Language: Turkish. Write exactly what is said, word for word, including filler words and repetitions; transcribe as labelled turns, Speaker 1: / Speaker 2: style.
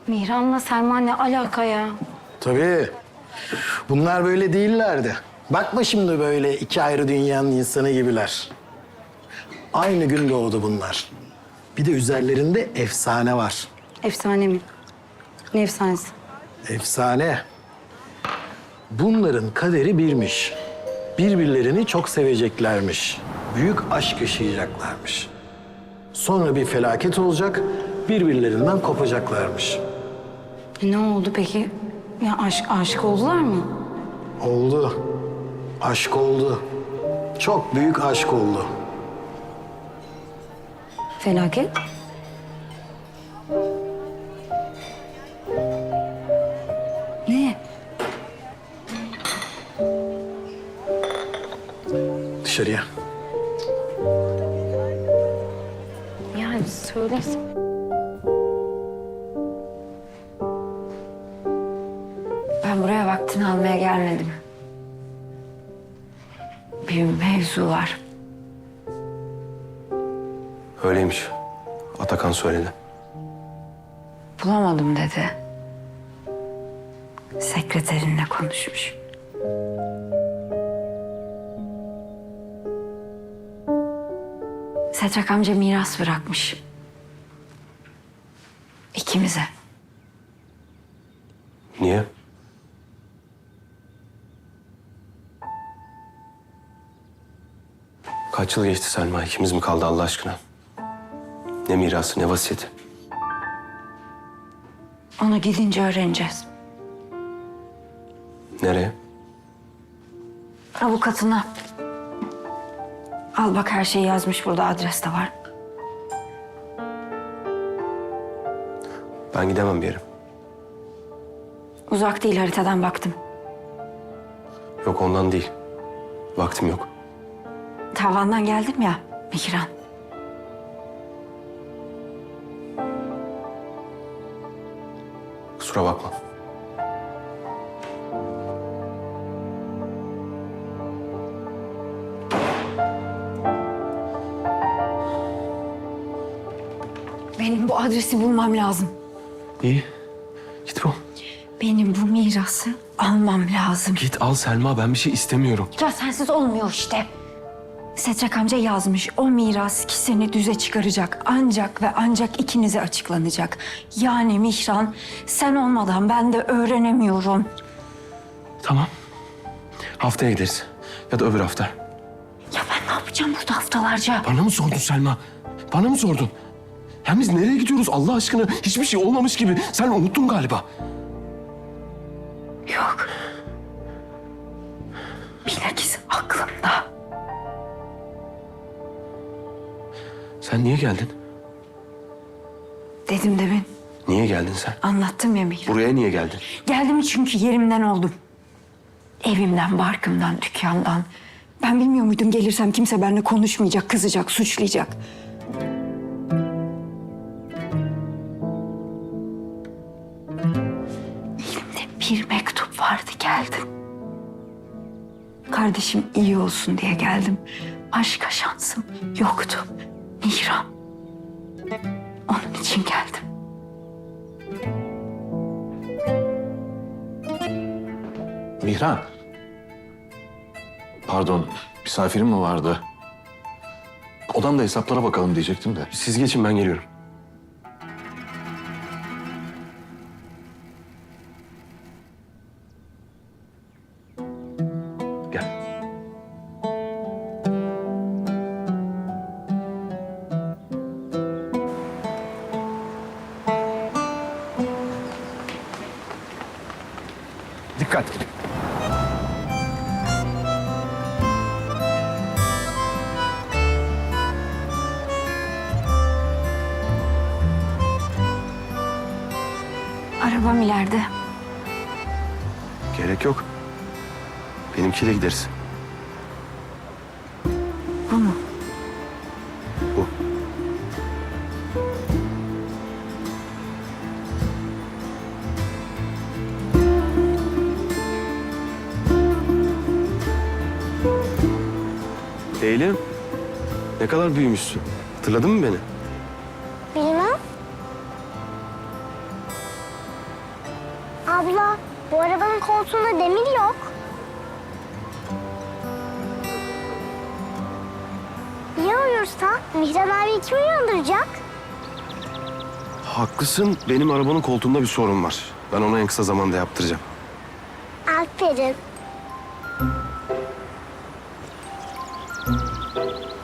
Speaker 1: Mihran'la Selma ne alaka ya?
Speaker 2: Tabii. Bunlar böyle değillerdi. Bakma şimdi böyle iki ayrı dünyanın insanı gibiler. Aynı gün doğdu bunlar. Bir de üzerlerinde efsane var.
Speaker 1: Efsane mi? Ne efsanesi?
Speaker 2: Efsane. Bunların kaderi birmiş. Birbirlerini çok seveceklermiş. Büyük aşk yaşayacaklarmış. Sonra bir felaket olacak, birbirlerinden kopacaklarmış.
Speaker 1: E, ne oldu peki? Ya aşk, aşık oldular mı?
Speaker 2: Oldu. Aşk oldu. Çok büyük aşk oldu.
Speaker 1: Felaket. Ne?
Speaker 2: Dışarıya.
Speaker 1: Yani söylesin. Ben buraya vaktini almaya gelmedim. Bir mevzu var.
Speaker 3: Öyleymiş. Atakan söyledi.
Speaker 1: Bulamadım dedi. Sekreterinle konuşmuş. Setrak amca miras bırakmış. İkimize.
Speaker 3: Niye? Kaç yıl geçti Selma? İkimiz mi kaldı Allah aşkına? Ne mirası, ne vasiyeti?
Speaker 1: Onu gidince öğreneceğiz.
Speaker 3: Nereye?
Speaker 1: Avukatına. Al bak her şeyi yazmış burada, adres de var.
Speaker 3: Ben gidemem bir yere.
Speaker 1: Uzak değil, haritadan baktım.
Speaker 3: Yok ondan değil. Vaktim yok.
Speaker 1: Tavandan geldim ya Mihran.
Speaker 3: Kusura bakma.
Speaker 1: Benim bu adresi bulmam lazım.
Speaker 3: İyi. Git bu.
Speaker 1: Benim bu mirası almam lazım.
Speaker 3: Git al Selma. Ben bir şey istemiyorum.
Speaker 1: Ya sensiz olmuyor işte. Setrak amca yazmış. O miras ikisini düze çıkaracak. Ancak ve ancak ikinize açıklanacak. Yani Mihran, sen olmadan ben de öğrenemiyorum.
Speaker 3: Tamam. Haftaya gideriz. Ya da öbür hafta.
Speaker 1: Ya ben ne yapacağım burada haftalarca?
Speaker 3: Bana mı sordun Selma? Bana mı sordun? Hem biz nereye gidiyoruz Allah aşkına? Hiçbir şey olmamış gibi. Sen unuttun galiba.
Speaker 1: Yok. Bilakis aklımda.
Speaker 3: Sen niye geldin?
Speaker 1: Dedim demin.
Speaker 3: Niye geldin sen?
Speaker 1: Anlattım ya Mihran.
Speaker 3: Buraya niye geldin?
Speaker 1: Geldim çünkü yerimden oldum. Evimden, barkımdan, dükkandan. Ben bilmiyor muydum gelirsem kimse benimle konuşmayacak, kızacak, suçlayacak. Elimde bir mektup vardı, geldim. Kardeşim iyi olsun diye geldim. Başka şansım yoktu. Mihran. Onun için geldim.
Speaker 4: Mihran. Pardon, misafirim mi vardı? Odamda hesaplara bakalım diyecektim de.
Speaker 3: Siz geçin ben geliyorum. Gel.
Speaker 4: Dikkat.
Speaker 1: Arabam ileride.
Speaker 3: Gerek yok. Benimkiyle gideriz.
Speaker 1: Bu mu?
Speaker 3: Bu. Leylim, ne kadar büyümüşsün. Hatırladın mı beni?
Speaker 5: Bilmem. Abla, bu arabanın koltuğunda demir yok. Ya uyursa? Mihran abi kim uyandıracak?
Speaker 3: Haklısın. Benim arabanın koltuğunda bir sorun var. Ben onu en kısa zamanda yaptıracağım.
Speaker 5: Aferin.